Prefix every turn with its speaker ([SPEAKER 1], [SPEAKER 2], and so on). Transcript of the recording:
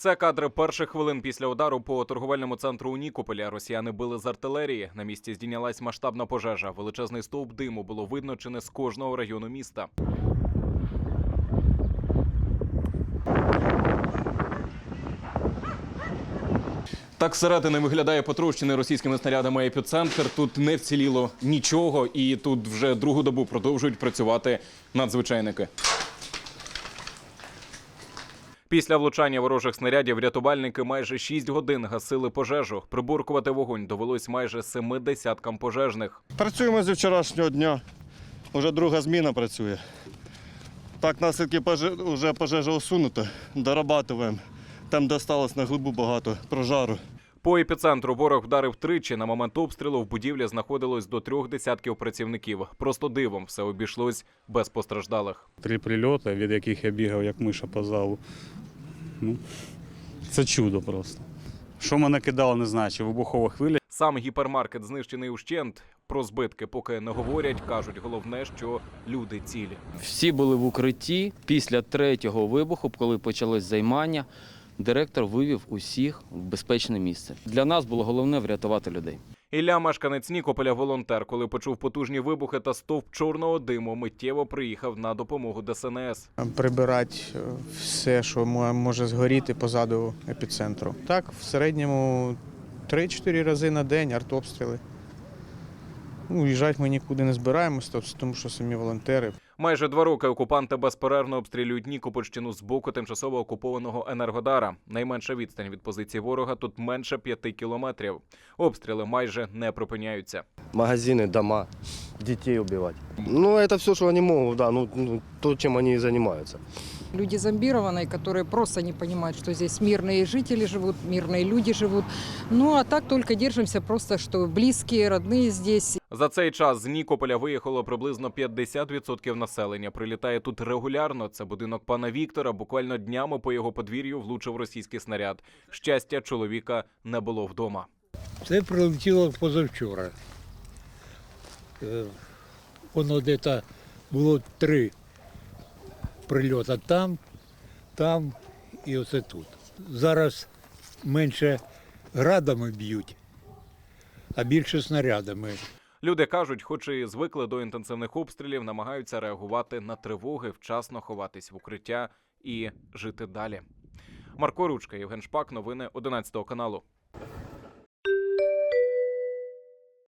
[SPEAKER 1] Це кадри перших хвилин після удару по торговельному центру у Нікополі. Росіяни били з артилерії. На місці здійнялась масштабна пожежа. Величезний стовп диму було видно чи не з кожного району міста. Так зсередини виглядає потрощений російськими снарядами епіцентр. Тут не вціліло нічого і тут вже другу добу продовжують працювати надзвичайники. Після влучання ворожих снарядів рятувальники майже 6 годин гасили пожежу. Приборкувати вогонь довелось майже 7 десяткам пожежних.
[SPEAKER 2] Працюємо зі вчорашнього дня. Уже друга зміна працює. Так, наслідки вже пожежа усунута. Дорабатуємо. Там досталось на глибу багато прожару.
[SPEAKER 1] По епіцентру ворог вдарив тричі. На момент обстрілу в будівлі знаходилось до 3 десятків працівників. Просто дивом все обійшлось без постраждалих.
[SPEAKER 3] 3 прильоти, від яких я бігав як миша по залу. Це чудо просто. Що мене кидало, не знаю, чи вибухова хвиля.
[SPEAKER 1] Сам гіпермаркет знищений ущент. Про збитки поки не говорять. Кажуть, головне, що люди цілі.
[SPEAKER 4] Всі були в укритті. Після 3-го вибуху, коли почалось займання, директор вивів усіх в безпечне місце. Для нас було головне врятувати людей.
[SPEAKER 1] Ілля, мешканець Нікополя, волонтер, коли почув потужні вибухи та стовп чорного диму, миттєво приїхав на допомогу ДСНС.
[SPEAKER 5] Прибирати все, що може згоріти позаду епіцентру. Так, в середньому 3-4 рази на день артобстріли. Уїжджати ми нікуди не збираємося, тому що самі волонтери.
[SPEAKER 1] Майже 2 роки окупанти безперервно обстрілюють Нікопольщину з боку тимчасово окупованого Енергодара. Найменша відстань від позиції ворога тут менше 5 кілометрів. Обстріли майже не припиняються.
[SPEAKER 6] Магазины, дома, детей убивать. Это все, что они могут, да, то, чем они и занимаются.
[SPEAKER 7] Люди зомбированные, которые просто не понимают, что здесь мирные жители живут, мирные люди живут. А так только держимся просто, что близкие, родные здесь.
[SPEAKER 1] За цей час з Нікополя виїхало приблизно 50% населення. Прилітає тут регулярно. Це будинок пана Віктора. Буквально днями по його подвір'ю влучив російський снаряд. Щастя, чоловіка не було вдома.
[SPEAKER 8] Це прилетіло позавчора. Воно десь було 3 прильоти там і оце тут. Зараз менше градами б'ють, а більше снарядами.
[SPEAKER 1] Люди кажуть, хоч і звикли до інтенсивних обстрілів, намагаються реагувати на тривоги, вчасно ховатись в укриття і жити далі. Марко Ручка, Євген Шпак, новини 11 каналу.